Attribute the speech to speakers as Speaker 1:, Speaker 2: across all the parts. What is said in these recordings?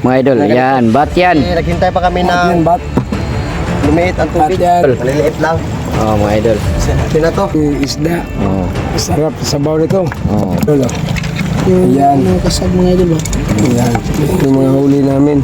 Speaker 1: Mga idol, yan, bat yan.
Speaker 2: Naghintay pa kami ng
Speaker 3: Bat.
Speaker 2: lumiit ang tubig. Maliliit lang.
Speaker 1: Oh, mga idol.
Speaker 2: Sino to?
Speaker 3: Isda.
Speaker 1: Oh,
Speaker 3: Sarap sa sabaw nito.
Speaker 1: oh.
Speaker 3: Lolo. Ayan.
Speaker 2: Mga kasag mga idol ba?
Speaker 3: Ayan. Ito yung mga huli namin.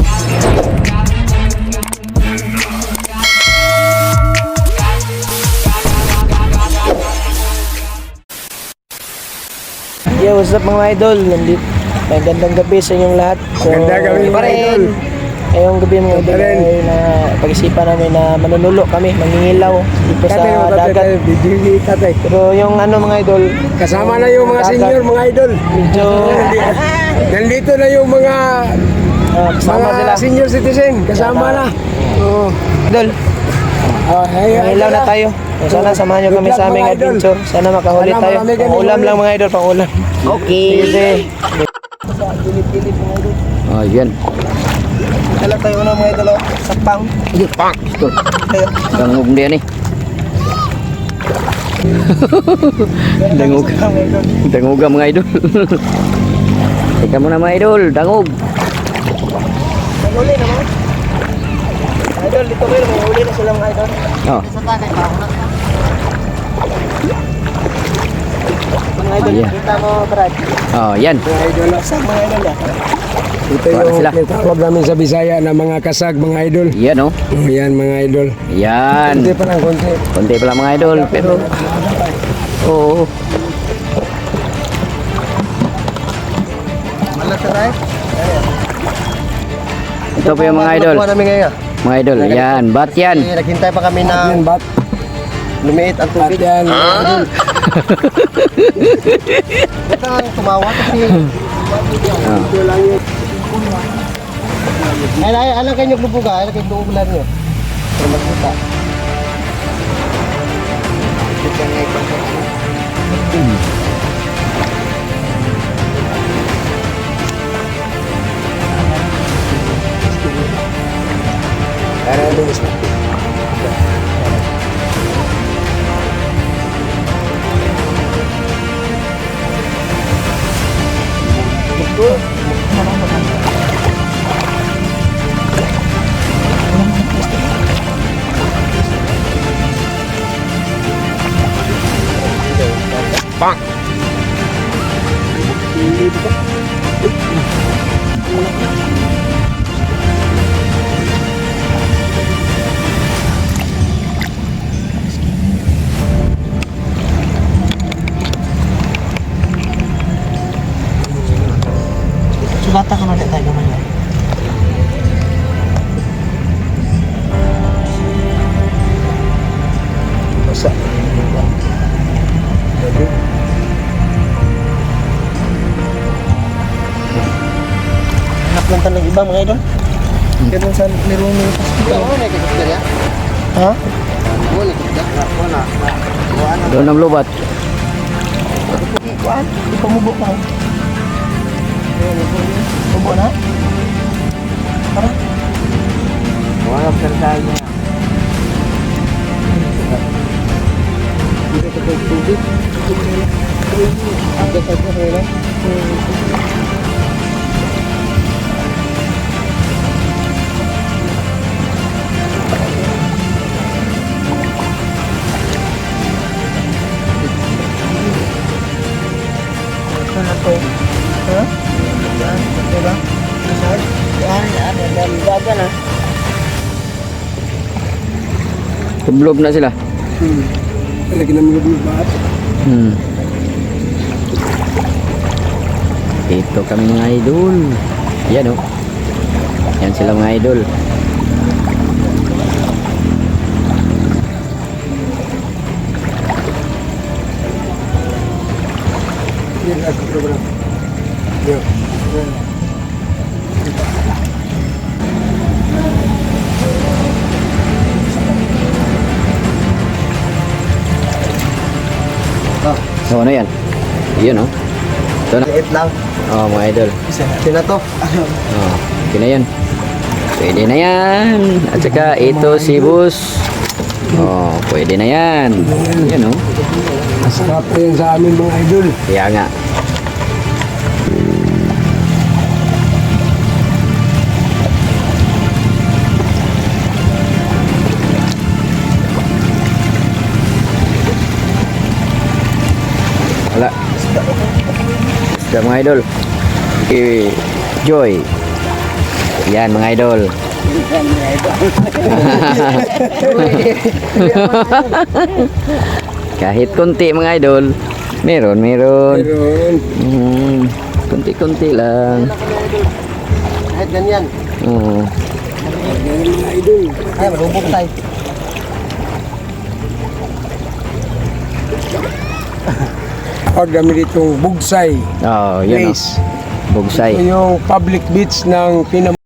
Speaker 2: Yeah, what's up mga idol? Nandito. Magandang gabi sa inyong lahat.
Speaker 3: Magandang gabi,
Speaker 2: iba
Speaker 3: mga
Speaker 2: rin.
Speaker 3: idol.
Speaker 2: Ngayong gabi mga idol
Speaker 3: Iba rin.
Speaker 2: ay na pag-isipan namin na manunulo kami, mangingilaw dito sa
Speaker 3: Tatay,
Speaker 2: dagat.
Speaker 3: Bigili tatay.
Speaker 2: Pero yung ano mga idol,
Speaker 3: Kasama na yung mga
Speaker 2: dagat,
Speaker 3: senior, mga idol.
Speaker 2: medyo
Speaker 3: Nandito na yung mga
Speaker 2: kasama sila.
Speaker 3: senior citizen. Kasama na. Oo.
Speaker 2: Idol, mangingilaw na tayo. Sana samahan nyo kami
Speaker 3: Good luck,
Speaker 2: sa aming
Speaker 3: mga idol.
Speaker 2: adventure. Sana makahuli
Speaker 3: Sana
Speaker 2: tayo.
Speaker 3: marami kami
Speaker 2: Pang-ulam
Speaker 3: huli.
Speaker 2: lang mga idol, pang-ulam. Okay. Sige.
Speaker 1: Oh, yan.
Speaker 2: Dala tayo na mga idol, sapang.
Speaker 1: Ito. Dangog din eh. Dangog. Dangog ang mga idol. Teka muna mga idol, dangog.
Speaker 2: Huli naman. Idol, dito kayo, may huli na sila mga idol.
Speaker 1: Oh,
Speaker 2: Mga idol,
Speaker 1: Yeah.
Speaker 2: kita mo, Brad.
Speaker 1: oh, yan.
Speaker 3: Mga idol.
Speaker 2: Kasag mga idol yan.
Speaker 3: Ito
Speaker 1: Para
Speaker 3: yung
Speaker 1: sila.
Speaker 3: tawag namin sa Bisaya na mga kasag, mga idol.
Speaker 1: Yan oh.
Speaker 3: Oh, yan, mga idol.
Speaker 1: Yan.
Speaker 3: Kunti pa lang, kunti.
Speaker 1: Konti pala mga idol, pero oo.
Speaker 2: Malas ka tayo?
Speaker 1: Ito po yung mga idol.
Speaker 2: Nakuha namin ngayon.
Speaker 1: Mga idol, yan, bat yan.
Speaker 2: Naghintay pa kami
Speaker 3: Yan,
Speaker 2: ng
Speaker 3: bat.
Speaker 2: lumiit ang
Speaker 3: Bat
Speaker 2: tubig.
Speaker 3: yan.
Speaker 2: Ito ang tumawa kasi
Speaker 1: Oh.
Speaker 3: Ito lang yun.
Speaker 2: ay alam kayo yung lubuga, alam kayo yung ulan nyo. Pero magkita.
Speaker 3: Para doon sa
Speaker 2: Sugata ka na din tayo naman yan.
Speaker 3: Basa.
Speaker 2: Hanap lang tayo ng iba mga idol. Ganun sa laro ng hospital. Ha?
Speaker 1: Doon ang lubat.
Speaker 2: Kuan? Di pa mubo ka. Mubo na? Para?
Speaker 3: Wala ka tayo.
Speaker 2: Dito sa tubig. Agad sa kanila. Ano to? Ha? Yan, ito ba? Saan? Yan, gaga na.
Speaker 1: Tublob na sila.
Speaker 3: Lagi namin yung bat.
Speaker 1: Ito kami mga idol. Yan oh. Yan sila mga idol.
Speaker 3: Yan ang program. Yan.
Speaker 1: So ano yan? Yun oh. Ito na.
Speaker 2: Liit lang.
Speaker 1: Oh mga idol.
Speaker 2: Sino to?
Speaker 1: Oh, okay na yan. Pwede na yan. At saka ito si Bus. Oh, pwede na yan. Yan oh.
Speaker 3: Masarap pa yan sa amin, mga idol.
Speaker 1: Kaya nga. Sa mga idol. Okay. Joy. Yan mga idol. Kahit konti mga idol. Meron.
Speaker 3: Meron.
Speaker 1: Konti-konti lang.
Speaker 2: Kahit ganyan.
Speaker 1: Oo.
Speaker 3: Meron mga idol.
Speaker 2: Ay, marubok tayo.
Speaker 3: Pag kami ditong Bugsay.
Speaker 1: Oh, yun.
Speaker 3: Place.
Speaker 1: Bugsay.
Speaker 3: Ito yung public beach ng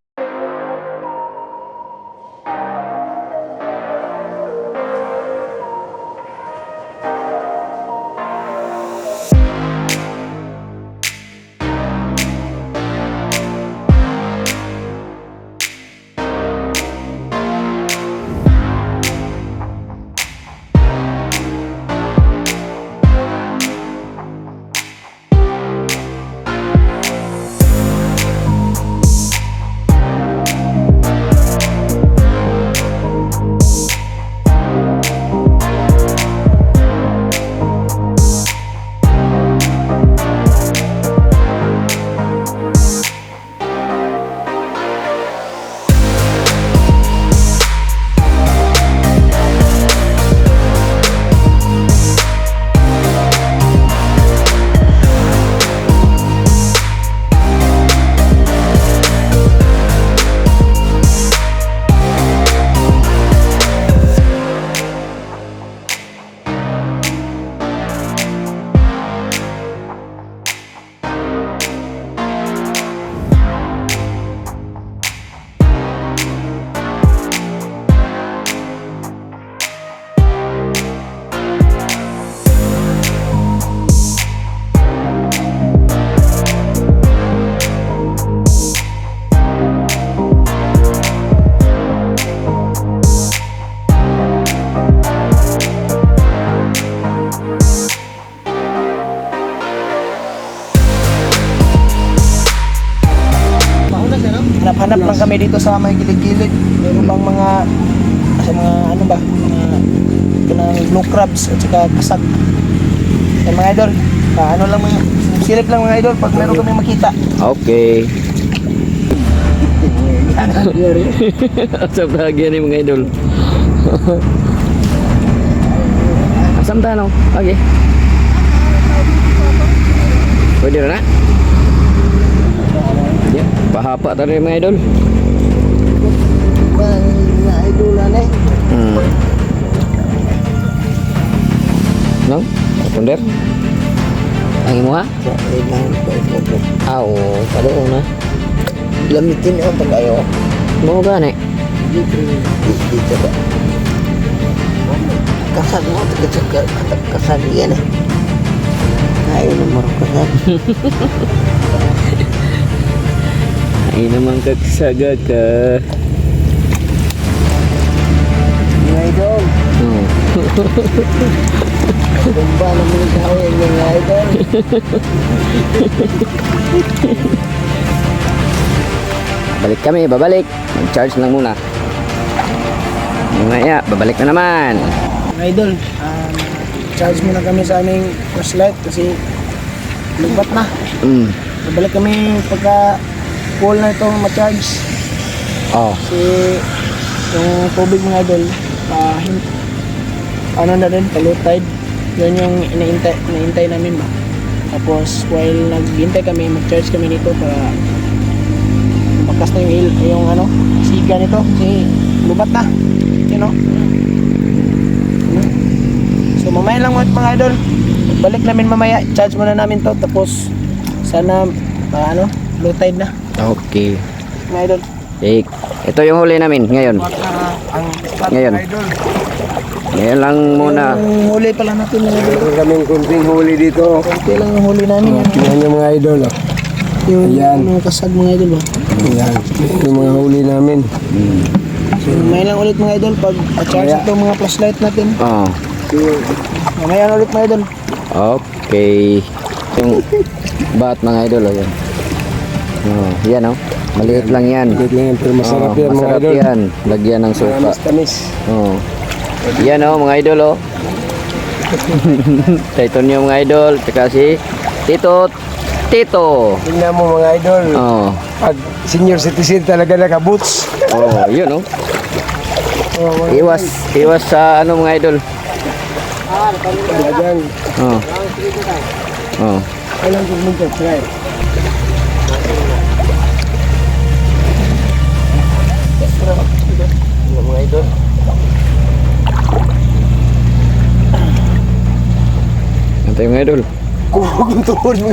Speaker 2: Hanap-hanap lang kami dito sa may gilid-gilid. Meron bang mga ano ba? Mga kanang blue crabs at saka kasag. Eh mga idol, ano lang mga silip lang mga idol pag meron kami makita.
Speaker 1: Okay. Sa bahagia ni mga idol. Asam tanong. Okay. Pwede na? Ya, pahapa tadi mga idol.
Speaker 2: Mga idol na
Speaker 1: No? Ponder? Ang imo ha? Aw, kado na.
Speaker 2: Lamitin o pag ayo.
Speaker 1: Mo gani.
Speaker 2: Dito ba? Kasag mo, kasag yan eh. Ayaw na marong kasag.
Speaker 1: Ay naman kagsaga ka.
Speaker 2: Mga idol,
Speaker 1: Oh.
Speaker 2: tumba na mga gawin mga idol.
Speaker 1: Balik kami, babalik. Mag-charge lang muna. Mamaya, babalik na naman.
Speaker 2: Mga idol, charge muna kami sa aming flashlight kasi lubat na. Babalik kami pagka full na itong ma-charge.
Speaker 1: Oh.
Speaker 2: Kasi yung tubig mga idol, ano na rin, low tide. Yun yung inaintay namin ba. Tapos while naghihintay kami, mag-charge kami nito para makas na yung ano, siga nito kasi lubat na. You know? So mamaya lang mga idol. Balik namin mamaya, charge muna namin to tapos sana low tide na.
Speaker 1: Okay.
Speaker 2: Mga idol.
Speaker 1: Ito yung huli namin ngayon. Ngayon. Ngayon lang muna.
Speaker 2: Yung huli pala natin mga idol.
Speaker 3: Meron kaming kunting huli dito.
Speaker 2: Konti lang yung huli namin.
Speaker 3: Yan yung mga idol.
Speaker 2: Yung
Speaker 3: Ayan.
Speaker 2: mga kasag mga idol ba?
Speaker 3: Yan. Yung mga huli namin.
Speaker 2: So mamaya lang ulit mga idol pag charge ito mga flashlight natin.
Speaker 1: Oh.
Speaker 2: Mamaya na ulit mga idol.
Speaker 1: Okay. Yung bat mga idol. Oh, yan. Oh, yan oh. Maliit lang yan.
Speaker 3: Maliit lang yan, pero masarap yan, mga
Speaker 1: masarap
Speaker 3: idol.
Speaker 1: yan. Lagyan ng suka.
Speaker 3: Tamis.
Speaker 1: Oh. Yan oh mga idol oh. Ito niyo mga idol. Tsaka si Titot. Tito.
Speaker 3: Tingnan mo mga idol.
Speaker 1: Oh.
Speaker 3: Pag senior citizen talaga naka-boots.
Speaker 1: Oh, yun oh.
Speaker 3: Oh, mga
Speaker 1: Iwas sa ano mga idol.
Speaker 3: Talagang.
Speaker 1: Oh. Oh.
Speaker 3: Kailan ko minta, try.
Speaker 1: Mga idol. Antay mga idol.
Speaker 3: Kung tuhod mo.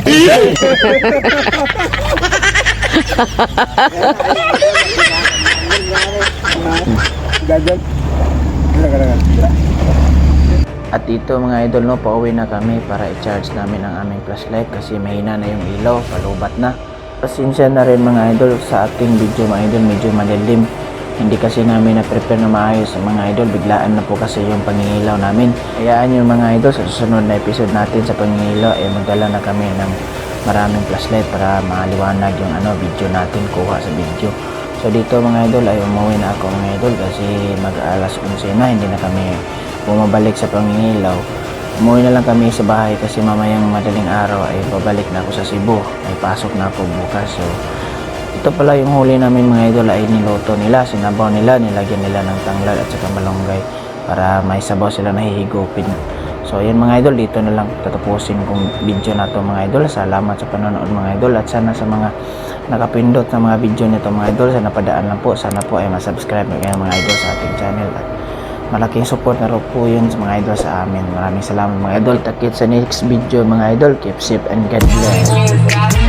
Speaker 3: Dagan. Dagan.
Speaker 2: At dito mga idol, no, pauwi na kami para i-charge namin ang aming flashlight kasi mahina na yung ilaw, palubat na. Pasensya na rin mga idol sa ating video mga idol, medyo malilim. Hindi kasi namin na-prepare na maayos mga idol, biglaan na po kasi yung pangingilaw namin. Hayaan yung mga idol, sa susunod na episode natin sa pangingilaw ay magdala na kami ng maraming flashlight para maliwanag yung video natin, kuha sa video. So dito mga idol ay umuwi na ako mga idol kasi mag-alas 11 na, hindi na kami bumabalik sa pangingilaw. Umuwi na lang kami sa bahay kasi mamayang madaling araw ay babalik na ako sa Cebu. May pasok na ako bukas. So ito pala yung huli namin mga idol ay niluto nila, sinabaw nila, nilagyan nila ng tanglad at saka malunggay para may sabaw sila nahihigupin. So yun mga idol, dito na lang tatapusin kong video na to mga idol. Salamat sa panonood mga idol at sana sa mga nakapindot na mga video nito mga idol, sana padaan lang po, sana po ay masubscribe kayo mga idol sa ating channel at malaking support na rin po yun sa mga idol sa amin. Maraming salamat mga idol. Takit sa next video mga idol. Keep safe and God bless.